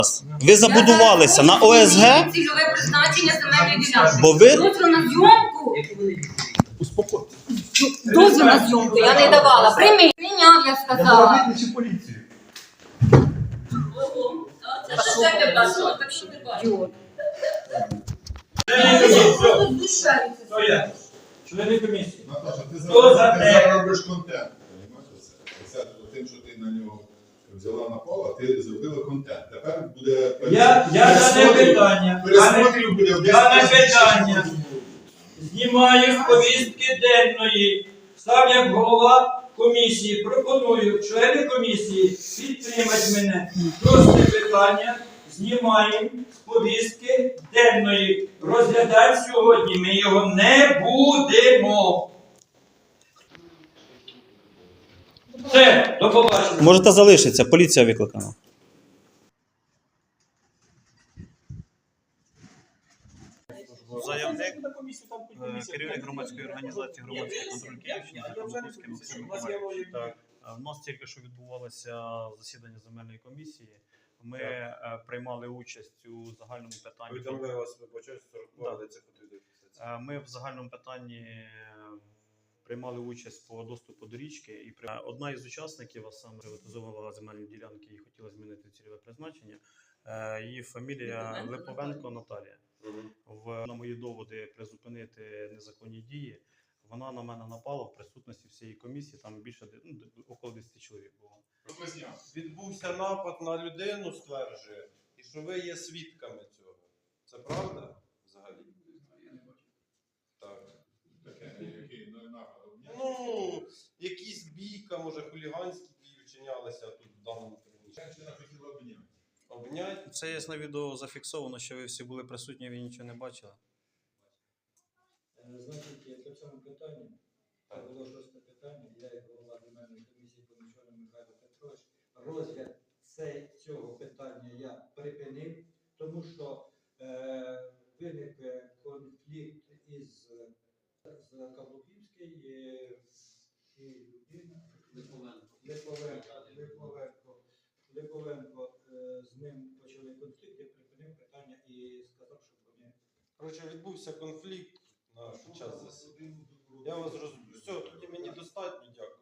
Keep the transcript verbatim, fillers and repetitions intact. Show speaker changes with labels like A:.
A: Ви забудувалися на О С Г?
B: Цільове призначення земельної ділянки.
A: Бо ви...
B: Дозвіл на зйомку. Дозвіл на зйомку я не давала. Прийми. Прийняв, я сказала.
C: Викличте поліцію.
B: Ого. Це що тебе бачила? Так що не бачила.
D: Хто є? Члени комісії.
C: Наташа, ти
D: Хто за
C: зараз, ти
D: те?
C: зараз робиш контент. Розумієш це? Це тим, що ти на нього взяла на поле, ти зробила контент. Тепер буде...
D: Я, я дане питання.
C: Пересмотрів буде в
D: Дане
C: десять тисяч.
D: питання. Знімаю з повістки денної. Став як голова комісії. Пропоную члени комісії підтримати мене. Просте питання. Знімаємо з повістки денної. Розглядати сьогодні ми його не будемо. Все, до побачення.
A: Можете залишитися, поліція викликана. Заявник, керівник громадської організації «Громадський контроль Київщини» Закам'янський Максим Миколаївич. Так, у нас тільки що відбувалося засідання земельної комісії. Ми е, приймали участь у загальному питанні.
E: Повідомляю вас, вибачаю, сорок два, але це потрібно.
A: Е, Ми в загальному питанні е, приймали участь по доступу до річки. І при... Одна із учасників, а саме приватизовувала земельні ділянки і хотіла змінити цільове призначення. Е, Її фамілія Липовенко Наталія. В, на мої доводи призупинити незаконні дії, вона на мене напала в присутності всієї комісії, там більше, ну, около десяти чоловік було.
E: Відбувся напад на людину, стверджує, і що ви є свідками цього. Це правда взагалі? Так. Ну, якісь бійка, може хуліганські дії вчинялися тут в даному приміщенні. Обнять?
A: Це є на відео зафіксовано, що ви всі були присутні, ви нічого не бачили.
F: Значить, по цьому питанню, це було шосте питання, я як голова земельної комісії Помічений Михайло Петрович, розгляд це, цього питання я припинив, тому що е, виник конфлікт із Каблуківський е, і людина Липовенко, Липовенко, Липовенко е, з ним почали конфлікт, я припинив питання і сказав, що вони...
E: Коротше, відбувся конфлікт на час засідання. Я вас розумію. Все, тоді мені достатньо, дякую.